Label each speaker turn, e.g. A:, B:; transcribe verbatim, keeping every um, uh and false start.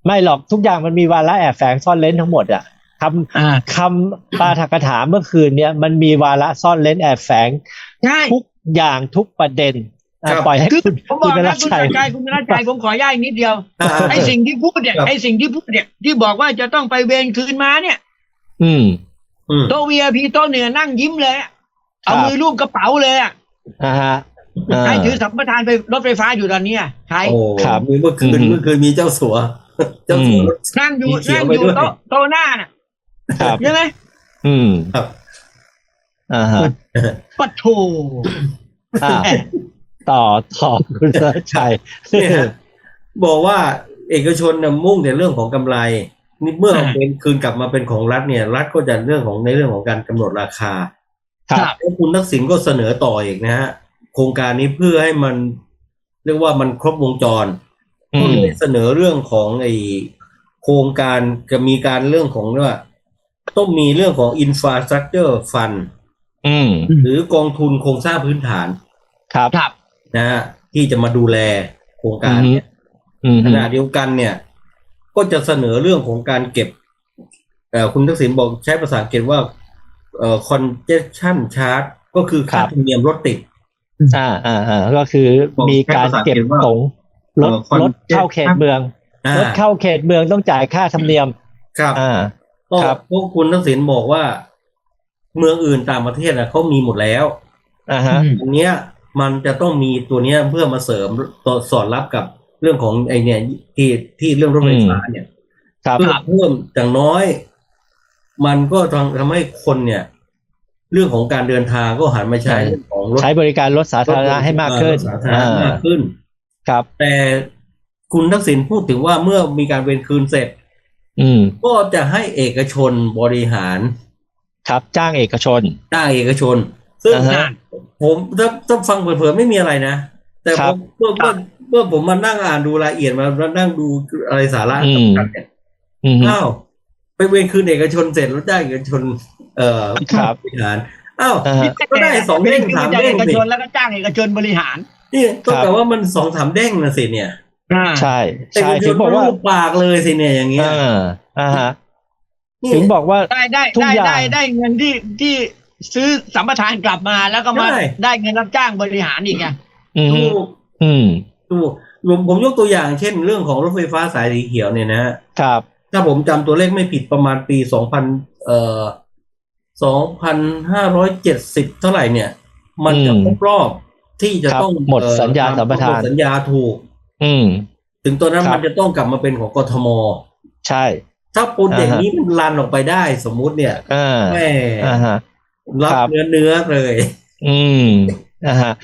A: ไม่หรอกทุกอย่างมันมีวาระแอบแฝงซ่อนเร้นทั้งหมดอ่ะคำคำปาฐกถาเมื่อคืนเนี้ยมันมีวาระซ่อนเร้นแอบแฝงทุกอย่างทุกประเด็นปล่อยให้คุณ
B: ผมบอกนะคุณรัชชัยคุณรัชชัยผมขอย้ายนิดเดียวไอ้สิ่งที่พูดเนี่ยไอ้สิ่งที่พูดเนี่ยที่บอกว่าจะต้องไปเวรคืนมาเนี่ย
A: อืม
B: โต๊ะ วี ไอ พี โต๊ะเหนือนั่งยิ้มเลยเอามือลูบกระเป๋าเลยอ่ะ
A: อ่าฮะ
B: ใครถือสัมปทานไปรถไฟฟ้าอยู่ตอนนี้ใคร
C: โอ้ครับเมื่อคืนเมื่อคืนมีเจ้าสัวเจ้าสัว
B: นั่งอยู่นั่งอยู่โต๊ะโต๊ะหน้าน่ะใช่ไหม
A: อืมครับอ่าฮะ
B: ปัดโถ
A: อ่าต่อต่อคุณรัชชัย
C: บอกว่าเอกชนน่ะมุ่งแต่เรื่องของกำไรนี่เมื่อเป็นคืนกลับมาเป็นของรัฐเนี่ยรัฐก็จะเรื่องของในเรื่องของการกำหนดราคาครับแล้วคุณทักษิณก็เสนอต่ออีกนะฮะโครงการนี้เพื่อให้มันเรียกว่ามันครบวงจรก็เลยเสนอเรื่องของไอโครงการจะมีการเรื่องของว่าต้องมีเรื่องของ infrastructure fund หรือกองทุนโครงสร้างพื้นฐาน
A: ครับ
C: นะฮะที่จะมาดูแลโครงการเนี่ยขณะเดียวกันเนี่ยก็จะเสนอเรื่องของการเก็บเอ่อคุณทักษิณบอกใช้ภาษาอังกฤษว่าเอ่อ congestion charge ก็คือค่าธรรมเนียมรถติด
A: อ่าอ่าอ่าก็คือมีการเก็บตรงรถรถเข้าเขตเมืองรถเข้าเขตเมืองต้องจ่ายค่าธรรมเนียม
C: ครับ
A: อ่า
C: ครับพวกคุณทักษิณบอกว่าเมืองอื่นต่างประเทศอ่ะเขามีหมดแล้ว
A: อ่าฮะ
C: อันเนี้ยมันจะต้องมีตัวเนี้ยเพื่อมาเสริมตัวสอดรับกับเรื่องของไอเนี่ยที่ที่เรื่องรถไฟฟ้าเนี่ยเพื่อเพิ่มอย่างน้อยมันก็ทำทำให้คนเนี่ยเรื่องของการเดินทางก็หันมาใช้ของ
A: ใช้บริการรถสาธารณะให้มากขึ้น
C: มากขึ้น
A: ครับ
C: แต่คุณทักษิณพูดถึงว่าเมื่อมีการเวรคืนเสร็จ
A: อืม
C: ก็จะให้เอกชนบริหาร
A: ครับจ้างเอกชน
C: จ้างเอกชนซึ่งผมถ้าถ้าฟังเผลอๆไม่มีอะไรนะแต่ผมเมื่อเมื่อเมื่อผมมานั่งอ่านดูรายละเอียดมาแล้วนั่งดูอะไรสาระสำคัญเนี่ยอ้าวไปเวรคืนเอกชนเสร็จแล้วจ้างเอกชนเอ่อบริหารอ้าวก็ได้สองเด้งสามเด้งสิ
B: แล้วก็จ้างเอกชนบริหาร
C: นี่ต้องแต่ว่ามันสองสามเด้งนะสิเนี่ย
A: ใช่ใช่ถึงบอกว่า
C: ปากเลยสิเนี่ยอย่างเงี้ย
A: อ่าฮะถึงบอกว่า
B: ได้ได้ได้ได้ได้เงินที่ที่ซื้อสัมปทานกลับมาแล้วก็มาได้เงินรับจ้างบริหารอีกไง
C: ถูก
A: อืม
C: ถูกผมยกตัวอย่างเช่นเรื่องของรถไฟฟ้าสายสีเขียวเนี่ยนะครับถ้าผมจำตัวเลขไม่ผิดประมาณปีสองพันเอ่อสองพันห้าร้อยเจ็ดสิบเท่าไหร่เนี่ยมันจะครบรอบที่จะต้อง
A: หมดสัญญาสัมปทาน
C: สัญญาถูก
A: อืม
C: ถึงตอนนั้นมันจะต้องกลับมาเป็นของกทม
A: ใช่
C: ถ้าโปรเจกต์นี้มันรันออกไปได้สมมุติเนี่ย
A: แม่
C: รับเนื้อเนื้อเลย
A: อืมนะฮะ